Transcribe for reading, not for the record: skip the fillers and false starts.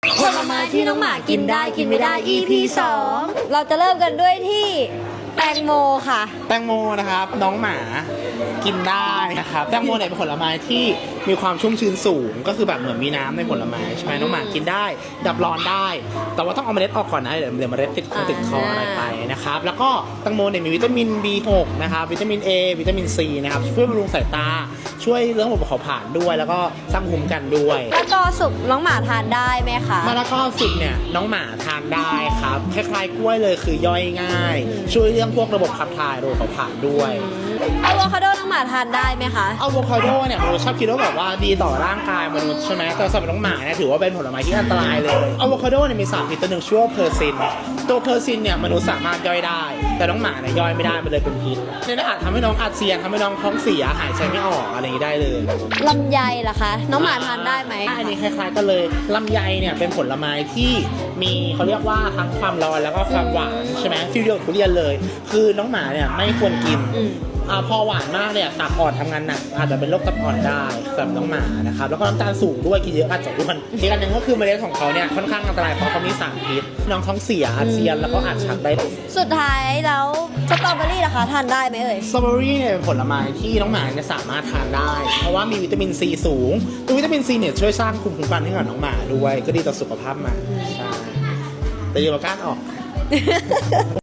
ผลไม้ที่น้องหมากินได้กินไม่ได้ EP 2เราจะเริ่มกันด้วยที่แตงโมค่ะแตงโมนะครับน้องหมากินได้นะครับแตงโมเนี่ยเป็นผลไม้ที่มีความชุ่มชื้นสูงก็คือแบบเหมือนมีน้ำในผลไม้ใช่ไหมน้องหมากินได้ดับร้อนได้ แต่ว่าต้องเอาเมล็ดออกก่อนนะเดี๋ยวเมล็ดติดคออะไรไปนะครับแล้วก็แตงโมเนี่ยมีวิตามิน B6 นะครับวิตามิน A วิตามิน C นะครับช่วยบำรุงสายตาช่วยเรื่องระบบเผาผลาญด้วยแล้วก็สร้างภูมิคุ้มกันด้วยมะละกอสุกน้องหมาทานได้ไหมคะมะละกอสุกเนี่ยน้องหมาทานได้ครับคล้ายๆกล้วยเลยคือย่อยง่ายช่วยเรื่องพวกระบบขับถ่ายระบบเผาผลาญด้วยอะโวคาโดน้องหมาทานได้ไหมคะอะโวคาโดเนี่ยมนุษย์ชอบคิดว่าแบบว่าดีต่อร่างกายมนุษย์ใช่ไหมแต่สำหรับน้องหมาเนี่ยถือว่าเป็นผลไม้ที่อันตรายเลยอะโวคาโดเนี่ยมีสารพิษตัวหนึ่งชื่อว่าเพอร์ซินตัวเพอร์ซินเนี่ยมนุษย์สามารถย่อยได้แต่น้องหมาเนี่ยย่อยไม่ได้มันเลยเป็นพิษเนี่ยอาจทำให้น้องอาเจียนทำให้น้องท้องเสียหายใจไม่ออกอะไรอย่างนี้ได้เลยลำไยล่ะคะน้องหมาทานได้ไหมอันนี้คล้ายๆกันเลยลำไยเนี่ยเป็นผลไม้ที่มีเขาเรียกว่าทั้งความร้อนแล้วก็ความหวานใช่ไหมฟิลเดียวกับทุเรียนเลยคือน้องหมาเนี่ยไม่ควรกินพอหวานมากเนี่ยตับอ่อนทำงานหนักอาจจะเป็นโรคตับอ่อนได้สำหรับน้องหมานะครับแล้วก็น้ำตาลสูงด้วยกินเยอะอาจจะอ้วนอีกอันหนึ่งก็คือเมล็ดของเขาเนี่ยค่อนข้างอันตรายเพราะเขามีสารพิษน้องท้องเสียอาเจียนแล้วก็อาจชักได้สุดท้ายแล้วสตรอเบอรี่ล่ะคะทานได้ไหมเอ่ยสตรอเบอรี่เนี่ยเป็นผลไม้ที่น้องหมาเนี่ยสามารถทานได้เพราะว่ามีวิตามินซีสูงตัววิตามินซีเนี่ยช่วยสร้างภูมิคุ้มกันให้กับน้องหมาด้วยก็ดีต่อสุขภาพหมาใช่แต่อย่ามาก้านออก